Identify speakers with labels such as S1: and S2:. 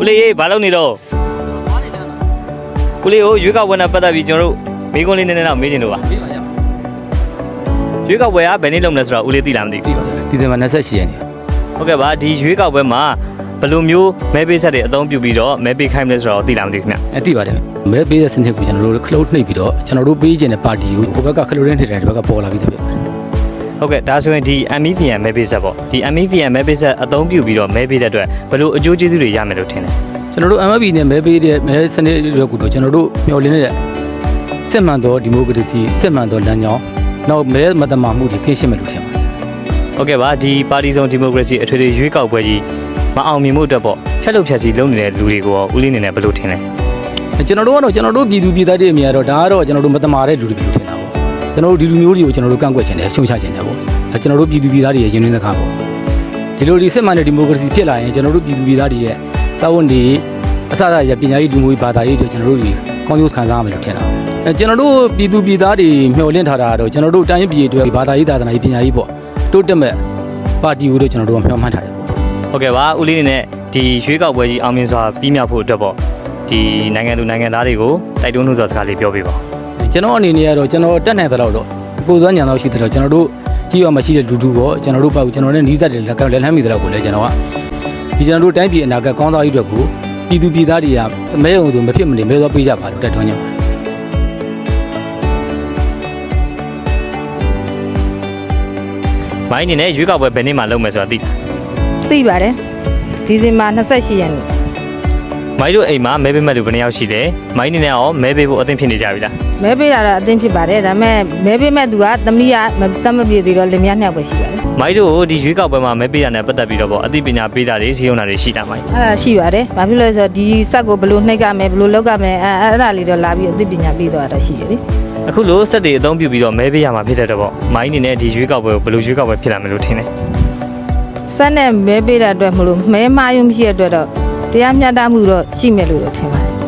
S1: ဦးလေးဘာလုပ်နေတော့ဦးလေးကိုရွေးကောက်ပွဲနဲ့ပတ်သက်ပြီးကျွန်တော်တို့မိကုန်းလေးနည်းနည်းတော့မေးချင်လို့ပါရွေးကောက်ပွဲကဘယ်နေ့လုပ်မလဲဆိုတော့ဦးလေးသိလားမသိဘူး
S2: ဒီဇင်ဘာ28ရက်နေ့
S1: ဟုတ်ကဲ့ပါဒီရွေးကောက်ပွဲမှာဘယ်လိုမျိုးမဲပေးဆက်တွေအသုံးပြုပြီးတော့မဲပေးခိုင်းမလဲဆိုတော့သိလားမသိဘူးခင်ဗျ
S2: သိပါတယ်မဲပေးတဲ့စနစ်ကိုကျွန်တော်တို့ခလုတ်နှိပ်ပြီးတော့ကျွန်တော်တို့ပေးခြင်းတဲ့ပါတီကိုဟိုဘက်ကခလုတ်နှိပ်တဲ့ဒီဘက်ကပေါ်လာပြီးသားဖြစ်ပါတယ်
S1: ဟုတ်ကဲ့ဒါဆိုရင်ဒီ MEVN မဲပေးဆက်ပေါ့ဒီ MEVN မဲပေးဆက်အသုံးပြုပြီးတော့မဲပေးတဲ့အတွက်ဘယ်လိုအကျိုးကျေးဇူးတွေရမယ်လို့ထင်လဲ
S2: ကျွန်တော်တို့ MFP နဲ့မဲပေးတဲ့မဲစနစ်တွေကတော့ကျွန်တော်တို့မျှော်လင့်နေတဲ့စစ်မှန်သောဒီမိုကရေစီစစ်မှန်သောလမ်းကြောင်းနောက်မဲမတမာမှုတွေကင်းရှင်းမယ်လို့ထင်ပါတယ်
S1: ဟုတ်ကဲ့ပါဒီပါတီစုံဒီမိုကရေစီအထွေထွေရွေးကောက်ပွဲကြီးမအောင်မြင်မှုအတွက်ပေါ့ဖြတ်လို့ဖြတ်စီလုပ်နေတဲ့လူတွေကိုရောဦးလေးနေနဲ့ဘယ်လိုထင်လဲ
S2: ကျွန်တော်တို့ကတော့ကျွန်တော်တို့ပြည်သူပြည်သားတွေအမြင်ကတော့ဒါကတော့ကျွန်တော်တို့မတမာတဲ့လူတွေပဲလို့ထင်တာပေါ့ကျွန်တော်တို့ဒီလူမျိုးတွေကိုကျွန်တော်တို့ကန့်ကွက်ခြင်းနဲ့ရှုံချခြင်းနဲ့ပေါ့ကျွန်တော်တို့ပြည်သူပြည်သားတွေရဲ့ရင်းနှီးသခါပေါ့ဒီလိုဒီစစ်မှန်တဲ့ဒီမိုကရေစီဖြစ်လာရင်ကျွန်တော်တို့ပြည်သူပြည်သားတွေရဲ့စာဝန်တွေအစအစရပညာရေးလူမျိုးရေးဘာသာရေးတွေကျွန်တော်တို့တွေကောင်းကျိုးခံစားရမယ်လို့ထင်တာကျွန်တော်တို့ပြည်သူပြည်သားတွေမျှော်လင့်ထားတာကတော့ကျွန်တော်တို့တိုင်းပြည်အတွက်ဘာသာရေးသာသနာရေးပညာရေးပေါ့တိုးတက်မဲ့ပါတီကိုတော့ကျွန်တော်တို့ကမျှော်မှန်းထားတယ်ပေါ့
S1: ဟုတ်ကဲ့ပါဦးလေးနေနဲ့ဒီရွေးကောက်ပွဲကြီးအောင်မြင်စွာပြီးမြောက်ဖို့အတွက်ပေါ့ဒီနိုင်ငံသူနိုင်ငံသားတွေကိုတိုက်တွန်းလို့ဆိုစကားလေးပြောပြပါ
S2: ကျွန်တော်အနေနဲ့ကတော့ကျွန်တော်တက်နိုင်တဲ့လောက်တော့ကိုယ်စွမ်းညံတော့ရှိတဲ့တော့ကျွန်တော်တို့ကြီးရမှရှိတဲ့လူထုကိုကျွန်တော်တို့ပေါ့ကျွန်တော်နဲ့နီးစပ်တဲ့လက်လှမ်းမိတဲ့လောက်ကိုလည်းကျွန်တော်ကဒီကျွန်တော်တို့တိုင်းပြည်အနာဂတ်ကောင်းစားရေးအတွက်ကိုပြည်သူပြည်သားတွေကမဲရုံဆိုမဖြစ်မနေမဲသွားပေးကြပါလို့တိုက်တွန်းကြပါတယ်
S1: မိုင်းနေနဲ့ရွေးကောက်ပွဲဘယ်နေ့မှလုပ်မယ်ဆိုတာသိ
S3: ပါတယ်ဒီဇင်ဘာ28ရက်နေ့
S1: မိုင်းတို့အိမ်မှာမဲပေးမဲ့လူဘယ်နှယောက်ရှိလဲမိုင်းနေနဲ့ရောမဲပေးဖို့အသင့်ဖြစ်နေကြပြီလား
S3: မဲပေးတာတော့အသင့်ဖြစ်ပါတယ်ဒါပေမဲ့မဲပေးမဲ့သူကသမီးကတတ်မပြေသေးတော့လင်မယား2ယောက်ပဲရှိပါတယ်
S1: မိုင်းတို့ဒီရွေးကောက်ပွဲမှာမဲပေးရတဲ့ပတ်သက်ပြီးတော့ပေါ့အသိပညာပေးတာတွေစီရင်တာတွေရှိတာမိုင်း
S3: အဲ့ဒါရှိပါတယ်ဘာဖြစ်လို့လဲဆိုတော့ဒီဆက်ကိုဘယ်လိုနှိပ်ရမယ်ဘယ်လိုလုပ်ရမယ်အဲ့ဒါလေးတော့လာပြီးအသိပညာပေးတော့တာရှိရလေ
S1: အခုလို့စက်တွေအသုံးပြုပြီးတော့မဲပေးရမှာဖြစ်တဲ့တော့ပေါ့မိုင်းနေနဲ့ဒီရွေးကောက်ပွဲကိုဘယ်လိုရွေးကောက်ပွဲဖြစ်လာမယ်လို့ထင်လဲ
S3: စက်နဲ့မဲပေးတဲ့အတွက်မလို့မဲမာယုံမရှိတဲ့အတွက်တော့တရားမျှတမှုတော့ရှိမယ်လို့ထင်ပါတယ်